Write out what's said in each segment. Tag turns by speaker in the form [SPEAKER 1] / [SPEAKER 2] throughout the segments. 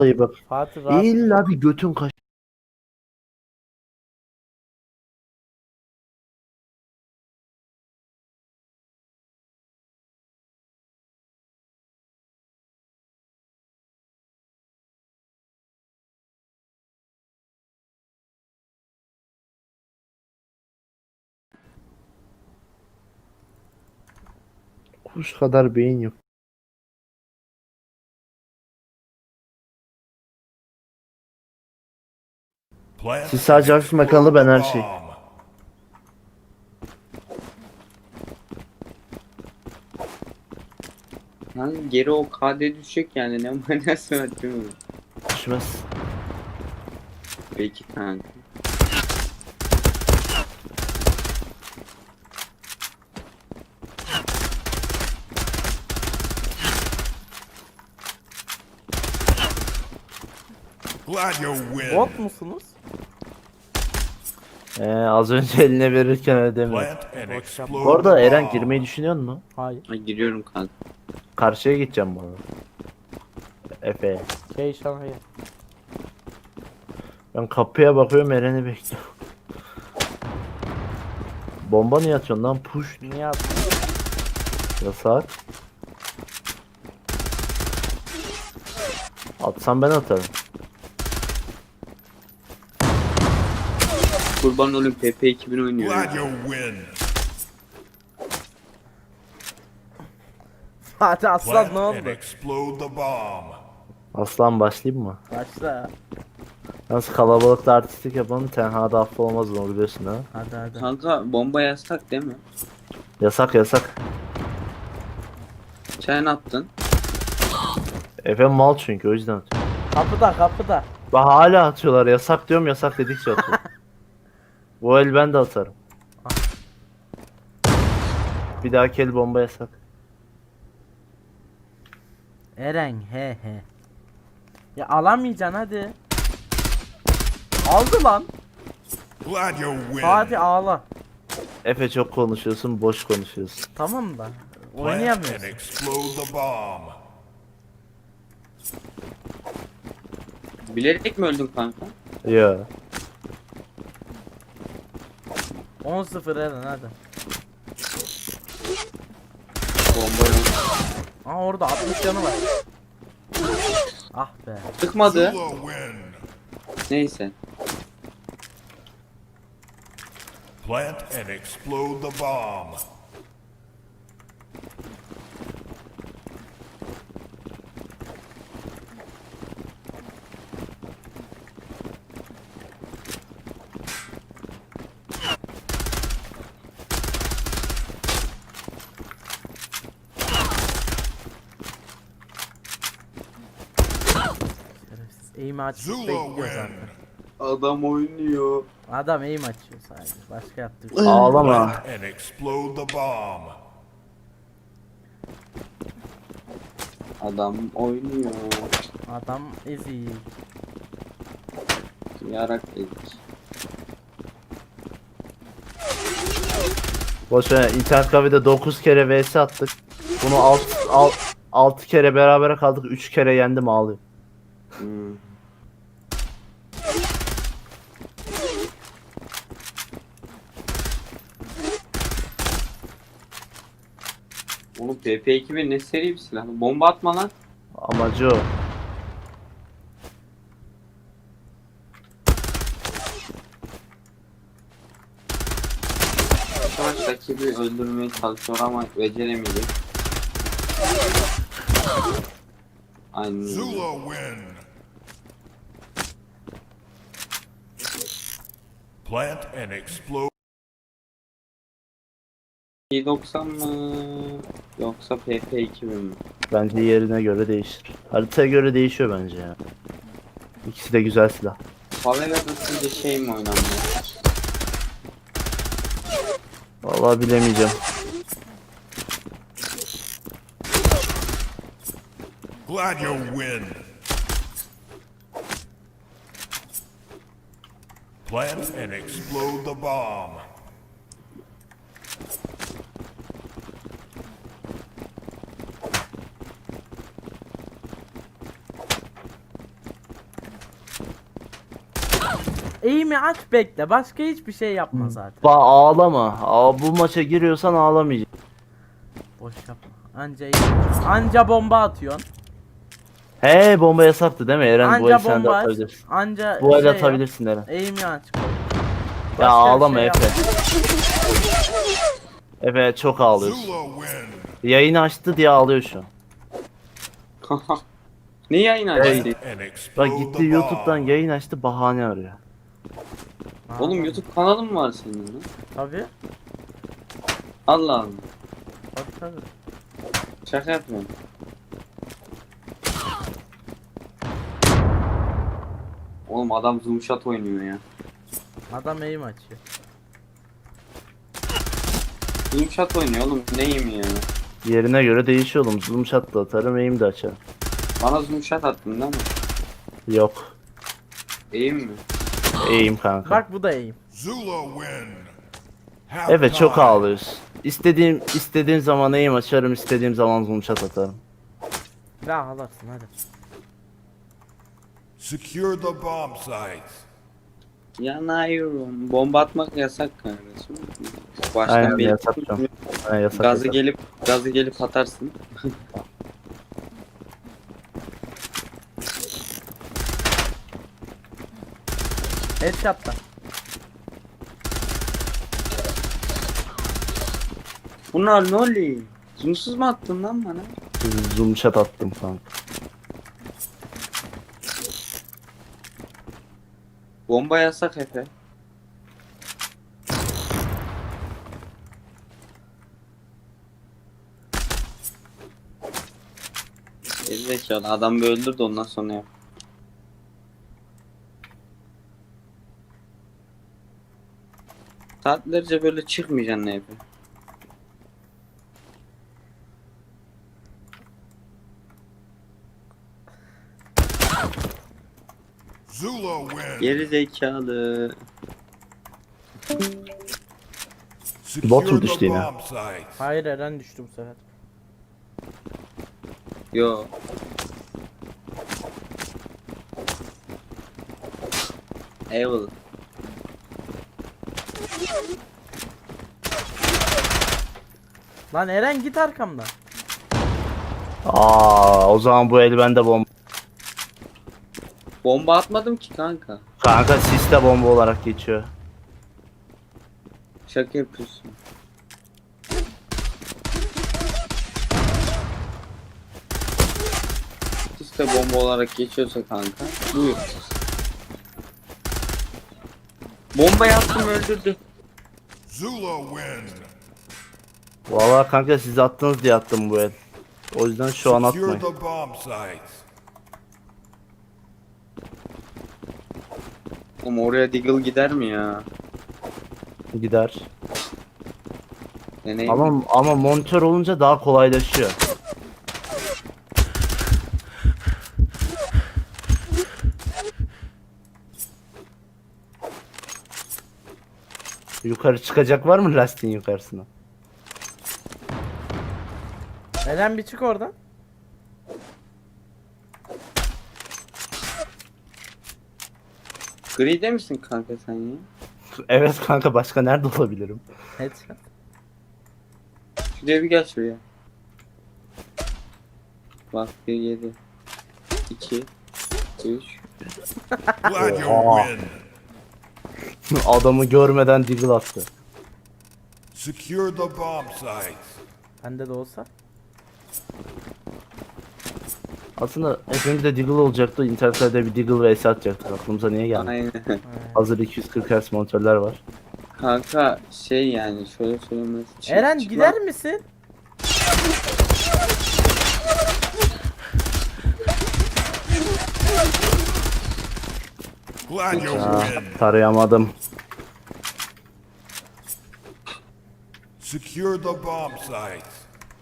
[SPEAKER 1] Vallahi bak.
[SPEAKER 2] Fatih rahat.
[SPEAKER 1] İlla bir götün kaç. Kuş kadar beyin yok.
[SPEAKER 3] Plant
[SPEAKER 1] Siz
[SPEAKER 3] and
[SPEAKER 1] sadece hafif makalı,
[SPEAKER 3] explode
[SPEAKER 1] ben
[SPEAKER 3] the
[SPEAKER 1] her şey.
[SPEAKER 3] bomb.
[SPEAKER 4] Yani geri o KD düşecek yani ne manası var değil mi?
[SPEAKER 1] Düşmez.
[SPEAKER 4] Peki kanka.
[SPEAKER 3] Glad you win.
[SPEAKER 2] Bot musunuz?
[SPEAKER 1] Az önce eline verirken ödemiyor.
[SPEAKER 3] Plant and
[SPEAKER 2] Boş
[SPEAKER 3] explode
[SPEAKER 1] Bu arada
[SPEAKER 3] the
[SPEAKER 1] Eren
[SPEAKER 3] bomb.
[SPEAKER 1] girmeyi düşünüyor musun?
[SPEAKER 2] Hayır.
[SPEAKER 4] Ay giriyorum kanka.
[SPEAKER 1] Karşıya gideceğim bu arada. Efe.
[SPEAKER 2] Şanaya.
[SPEAKER 1] Ben kapıya bakıyorum, Eren'i bekliyorum. Bomba niye atıyorsun lan? Push.
[SPEAKER 2] Niye attın?
[SPEAKER 1] Yasak. Atsam ben atarım.
[SPEAKER 4] Kurban olayım PP 2000 oynuyor.
[SPEAKER 3] Glad
[SPEAKER 4] ya.
[SPEAKER 3] you win.
[SPEAKER 2] Fatih aslan
[SPEAKER 3] Plant
[SPEAKER 2] ne
[SPEAKER 3] and
[SPEAKER 2] oldu?
[SPEAKER 3] explode the bomb.
[SPEAKER 1] Aslan başlayayım mı?
[SPEAKER 2] Başla.
[SPEAKER 1] Nasıl kalabalıkta artistlik yapalım, tenhada affı olmaz, onu biliyorsun ha.
[SPEAKER 2] Hadi hadi.
[SPEAKER 4] Kanka bomba yasak değil mi?
[SPEAKER 1] Yasak yasak.
[SPEAKER 4] Sen attın.
[SPEAKER 1] Efe mal çünkü, o yüzden atıyor.
[SPEAKER 2] Kapıda kapıda.
[SPEAKER 1] Bak hala atıyorlar, yasak diyorum, yasak dedikçe atıyor. Bu el ben de atarım. Bir dahaki el bomba yasak.
[SPEAKER 2] Eren he he. Ya alamayacaksın hadi. Aldı lan.
[SPEAKER 3] Glad you win.
[SPEAKER 2] Fatih ağla.
[SPEAKER 1] Efe çok konuşuyorsun, boş konuşuyorsun.
[SPEAKER 2] Tamam da.
[SPEAKER 3] Plant and
[SPEAKER 2] Oynayamıyorsun.
[SPEAKER 3] explode the bomb.
[SPEAKER 4] Bilerek mi öldün kanka?
[SPEAKER 1] Ya.
[SPEAKER 2] 10-0 Eren hadi.
[SPEAKER 4] Bomba yok.
[SPEAKER 2] Aa orada 60 canı var. Ah be.
[SPEAKER 4] Çıkmadı.
[SPEAKER 3] Zula win.
[SPEAKER 4] Neyse.
[SPEAKER 3] Plant and explode the bomb.
[SPEAKER 2] Şerefsiz. Aim'i açıp
[SPEAKER 3] Zula
[SPEAKER 2] bekliyor
[SPEAKER 3] win.
[SPEAKER 2] zaten.
[SPEAKER 4] Adam oynuyor.
[SPEAKER 2] Adam aim açıyor sadece. Başka yaptığı bir şey.
[SPEAKER 1] Ağlama.
[SPEAKER 3] Plant and explode the bomb.
[SPEAKER 4] Adam oynuyor.
[SPEAKER 2] Adam ezik.
[SPEAKER 4] Yarak dedik.
[SPEAKER 1] Boş ver, internet kafede 9 kere vs attık. Bunu 6 kere berabere kaldık, 3 kere yendim, ağlıyorum.
[SPEAKER 4] Hmm. Oğlum PP2000 ne seri bir silah. Bomba atma lan.
[SPEAKER 1] Amacı o.
[SPEAKER 4] Şu an rakibi öldürmeye çalışıyor ama beceremeyecek. Aynen öyle.
[SPEAKER 3] Zula win. Plant and explode.
[SPEAKER 4] 90 mı yoksa PP2000 mi?
[SPEAKER 1] Bence yerine göre değişir. Haritaya göre değişiyor bence ya. İkisi de güzel silah.
[SPEAKER 4] Favela'da sizce şey mi oynanıyor?
[SPEAKER 1] Vallahi bilemeyeceğim.
[SPEAKER 3] Glad you win. Plant and explode the bomb.
[SPEAKER 2] Eğimi aç bekle. Başka hiçbir şey yapma zaten.
[SPEAKER 1] Ağlama. Bu maça giriyorsan ağlamayacaksın.
[SPEAKER 2] Boş yapma. Anca eğim. Anca bomba atıyorsun.
[SPEAKER 1] He, bomba yasaktı değil mi Eren? Bu el
[SPEAKER 2] Anca
[SPEAKER 1] sen de
[SPEAKER 2] bomba aç.
[SPEAKER 1] atabilirsin.
[SPEAKER 2] Anca
[SPEAKER 1] Bu el
[SPEAKER 2] şey
[SPEAKER 1] atabilirsin Eren.
[SPEAKER 2] yap. Eğimi aç.
[SPEAKER 1] Ya
[SPEAKER 2] Başka bir
[SPEAKER 1] ağlama
[SPEAKER 2] şey
[SPEAKER 1] Efe.
[SPEAKER 2] yapma.
[SPEAKER 1] Efe çok ağlıyorsun.
[SPEAKER 3] Zula win.
[SPEAKER 1] Yayını açtı diye ağlıyor şu an.
[SPEAKER 4] Ne yayın açtı?
[SPEAKER 3] And
[SPEAKER 1] Bak
[SPEAKER 3] explode
[SPEAKER 1] gitti
[SPEAKER 3] the
[SPEAKER 1] YouTube'dan
[SPEAKER 3] bomb.
[SPEAKER 1] yayın açtı, bahane arıyor.
[SPEAKER 4] Oğlum YouTube kanalın mı var senin lan?
[SPEAKER 2] Tabii.
[SPEAKER 4] Allah Allah.
[SPEAKER 2] Tabii.
[SPEAKER 4] Şaka yapmıyorum. Oğlum adam zoom shot oynuyor ya.
[SPEAKER 2] Adam eğim açıyor.
[SPEAKER 4] Zoom shot oynuyor oğlum, neyim ya?
[SPEAKER 1] Yerine göre değişiyor oğlum. Zoom shot da atarım, aim de açarım.
[SPEAKER 4] Bana zoom shot attın değil mi?
[SPEAKER 1] Yok.
[SPEAKER 4] Eğim mi?
[SPEAKER 1] Aim kanka.
[SPEAKER 2] Bak bu da eğim.
[SPEAKER 3] Zula win.
[SPEAKER 1] Evet çok
[SPEAKER 3] Halftime.
[SPEAKER 1] ağlıyorsun. İstediğim zaman aim açarım, istediğim zaman zoom shot atarım.
[SPEAKER 2] Ya alarsın hadi.
[SPEAKER 3] Secure the bomb sites.
[SPEAKER 4] Yanıyorum. Bomba atmak yasak kardeşim. Baştan
[SPEAKER 1] Aynen,
[SPEAKER 4] bir
[SPEAKER 1] yasak canım. Ha, yasak,
[SPEAKER 4] gazı
[SPEAKER 1] yasak.
[SPEAKER 4] gelip atarsın.
[SPEAKER 2] Headshot'ta.
[SPEAKER 4] Bunlar ne oluyor? Zoomsuz mu attın lan bana?
[SPEAKER 1] Zoom shot attım kanka.
[SPEAKER 4] Bomba yasak Efe. Gerizekalı adam bir öldür de ondan sonra yap. Saatlerce böyle çıkmayacaksın ne Efe.
[SPEAKER 3] Zula win.
[SPEAKER 4] Gerizekalı.
[SPEAKER 3] Secure
[SPEAKER 1] mu
[SPEAKER 3] the
[SPEAKER 1] düştü yine?
[SPEAKER 3] bomb sites.
[SPEAKER 2] Hayır Eren düştü bu sefer.
[SPEAKER 4] Yo. Eyvallah.
[SPEAKER 2] Lan Eren git arkamdan.
[SPEAKER 1] O zaman bu el bende bomba.
[SPEAKER 4] Bomba atmadım ki kanka.
[SPEAKER 1] Kanka siste bomba olarak geçiyor.
[SPEAKER 4] Şaka yapıyorsun. İşte bomba olarak geçiyorsa kanka. Buyur. Bomba yaptım öldürdü.
[SPEAKER 3] Zula win.
[SPEAKER 1] Vallahi kanka siz attınız diye attım bu el. O yüzden şu an
[SPEAKER 3] Secure
[SPEAKER 1] atmayın.
[SPEAKER 3] the bomb sites.
[SPEAKER 4] Oğlum oraya Deagle gider mi ya?
[SPEAKER 1] Gider.
[SPEAKER 4] Deneyim.
[SPEAKER 1] Ama monitör olunca daha kolaylaşıyor. Yukarı çıkacak var mı lastiğin yukarısına?
[SPEAKER 2] Eren bir çık oradan.
[SPEAKER 4] Gri'de misin kanka sen ya?
[SPEAKER 1] Evet kanka, başka nerede olabilirim?
[SPEAKER 2] Headshot.
[SPEAKER 4] Şuraya bir gel şuraya. Bak 1 7 2 3
[SPEAKER 3] Glad you
[SPEAKER 1] Oha.
[SPEAKER 3] win.
[SPEAKER 1] Adamı görmeden deagle attı.
[SPEAKER 3] Secure the bomb sites.
[SPEAKER 2] Bende de olsa.
[SPEAKER 1] Aslında hepimizde deagle olacaktı. İnternette bir deagle vs atacaktık. Aklımıza niye geldi?
[SPEAKER 4] Aynen.
[SPEAKER 1] Hazır 240 Hz monitörler var.
[SPEAKER 4] Kanka şey yani şöyle söylemesi.
[SPEAKER 2] Eren gider misin?
[SPEAKER 3] Glad you
[SPEAKER 1] Aa,
[SPEAKER 3] win.
[SPEAKER 1] tarayamadım.
[SPEAKER 3] Secure the bomb sites.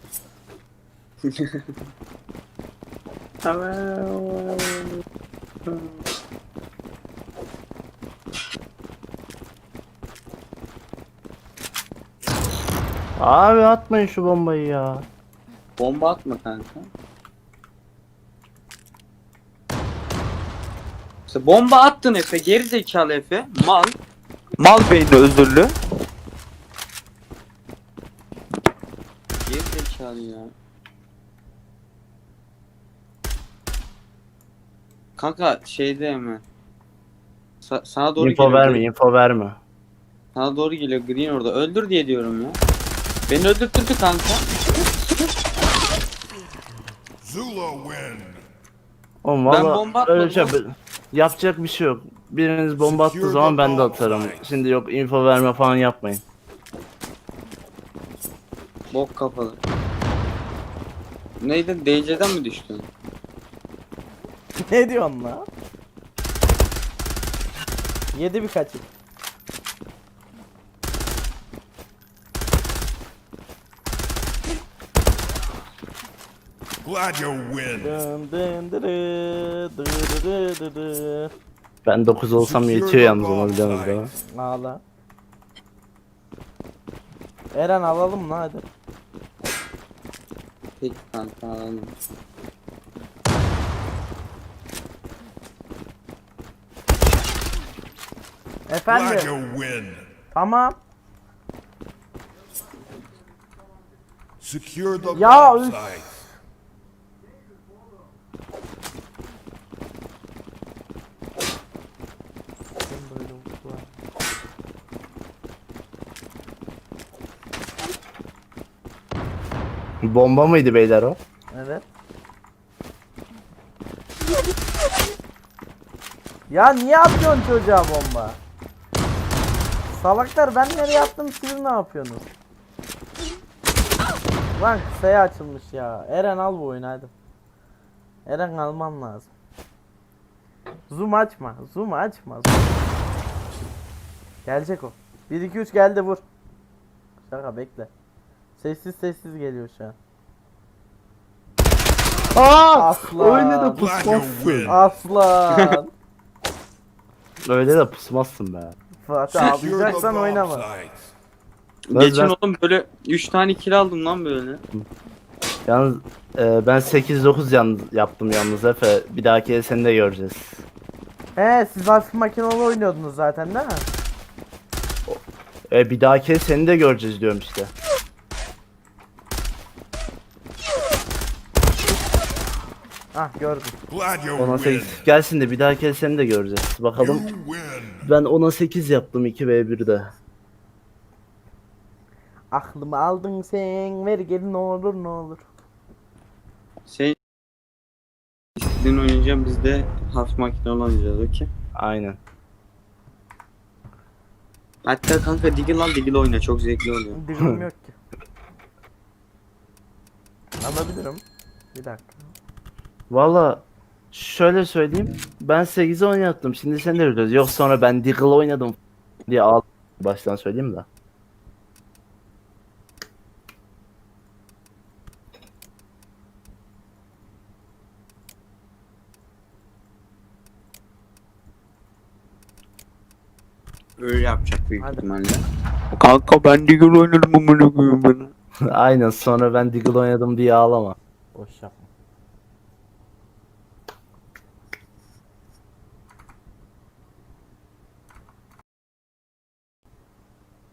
[SPEAKER 1] Abi atmayın şu bombayı ya.
[SPEAKER 4] Bomba atma kanka. İşte bomba attın Efe. Geri zekalı Efe. Mal. Mal beyni özürlü. Geri zekalı ya. Kanka şeyde mi? Sana doğru
[SPEAKER 1] Info
[SPEAKER 4] geliyor.
[SPEAKER 1] verme, info verme.
[SPEAKER 4] Sana doğru geliyor Green orada. Öldür diye diyorum ya. Beni öldürttürdü kanka.
[SPEAKER 3] Zula win.
[SPEAKER 1] Oğlum
[SPEAKER 4] Ben
[SPEAKER 1] valla
[SPEAKER 4] bomba
[SPEAKER 1] öyle şey,
[SPEAKER 4] atmadım.
[SPEAKER 1] yapacak bir şey yok. Biriniz bomba attığı zaman ben de atarım. Şimdi yok info verme falan yapmayın.
[SPEAKER 4] Bok kafalı. Neydi? DC'den mi düştün?
[SPEAKER 2] Ne diyorsun lan? Yedi birkaçı.
[SPEAKER 3] Glad you win.
[SPEAKER 2] Dın dın dırı, dırı dırı dırı.
[SPEAKER 1] Ben 9 olsam yetiyor yalnız ona biliyorsunuz değil mi?
[SPEAKER 2] Ağla. Eren alalım lan hadi.
[SPEAKER 4] Peki kanka alalım.
[SPEAKER 3] Glad
[SPEAKER 2] Efendim.
[SPEAKER 3] you win.
[SPEAKER 2] Tamam.
[SPEAKER 3] Secure the
[SPEAKER 2] Ya,
[SPEAKER 3] bomb
[SPEAKER 2] üf.
[SPEAKER 3] sites.
[SPEAKER 1] Bomba mıydı beyler o?
[SPEAKER 2] Evet. Ya niye atıyorsun çocuğa bomba? Salaklar, ben nereye attım, siz ne yapıyorsunuz? Lan kısaya açılmış ya. Eren al bu oyunu hadi. Eren alman lazım. Zoom açma. Zoom açma. Zoom. Gelecek o. 1 2 3 geldi, vur. Şaka, bekle. Sessiz sessiz geliyor şu an. Aslan.
[SPEAKER 1] Öyle de
[SPEAKER 3] Glad you
[SPEAKER 1] pusmazsın.
[SPEAKER 3] win.
[SPEAKER 2] Aslan.
[SPEAKER 1] Öyle de pusmazsın be.
[SPEAKER 2] Fatih
[SPEAKER 3] Secure the
[SPEAKER 2] ağlayacaksan
[SPEAKER 3] bomb
[SPEAKER 2] oynama.
[SPEAKER 3] sites.
[SPEAKER 4] Geçen
[SPEAKER 1] ben-
[SPEAKER 4] oğlum böyle 3 tane kill aldım lan böyle.
[SPEAKER 1] Yalnız ben 8-9 yaptım yalnız Efe. Bir dahaki seni de göreceğiz.
[SPEAKER 2] He, siz hafif makinalı oynuyordunuz zaten değil mi?
[SPEAKER 1] Bir dahaki seni de göreceğiz diyorum işte.
[SPEAKER 2] Ah, gördüm.
[SPEAKER 3] Glad you
[SPEAKER 1] Ona
[SPEAKER 3] win.
[SPEAKER 1] 8 gelsin de bir dahaki seni de göreceğiz.
[SPEAKER 3] You
[SPEAKER 1] Bakalım.
[SPEAKER 3] win.
[SPEAKER 1] Ben ona 8 yaptım 2v1'de.
[SPEAKER 2] Aklımı aldın sen, ver geri ne olur ne olur.
[SPEAKER 4] Şey istediğin oynayacağım, biz de hafif makinalı oynayacağız, okey.
[SPEAKER 1] Aynen.
[SPEAKER 4] Hatta kanka Diggle lan, Diggle oyna, çok zevkli oluyor.
[SPEAKER 2] Dilim yok ki. Alabilirim. Bir dakika.
[SPEAKER 1] Valla şöyle söyleyeyim. Ben 8'e oynattım. Şimdi sen de göreceğiz. Yok sonra ben Deagle oynadım diye al. Baştan söyleyeyim de.
[SPEAKER 4] Öyle yapacak büyük
[SPEAKER 2] Hadi.
[SPEAKER 4] ihtimalle. Kanka ben Diggle oynadım, amına koyayım bana.
[SPEAKER 1] Aynen sonra ben Deagle oynadım diye ağlama.
[SPEAKER 2] Boş yapma.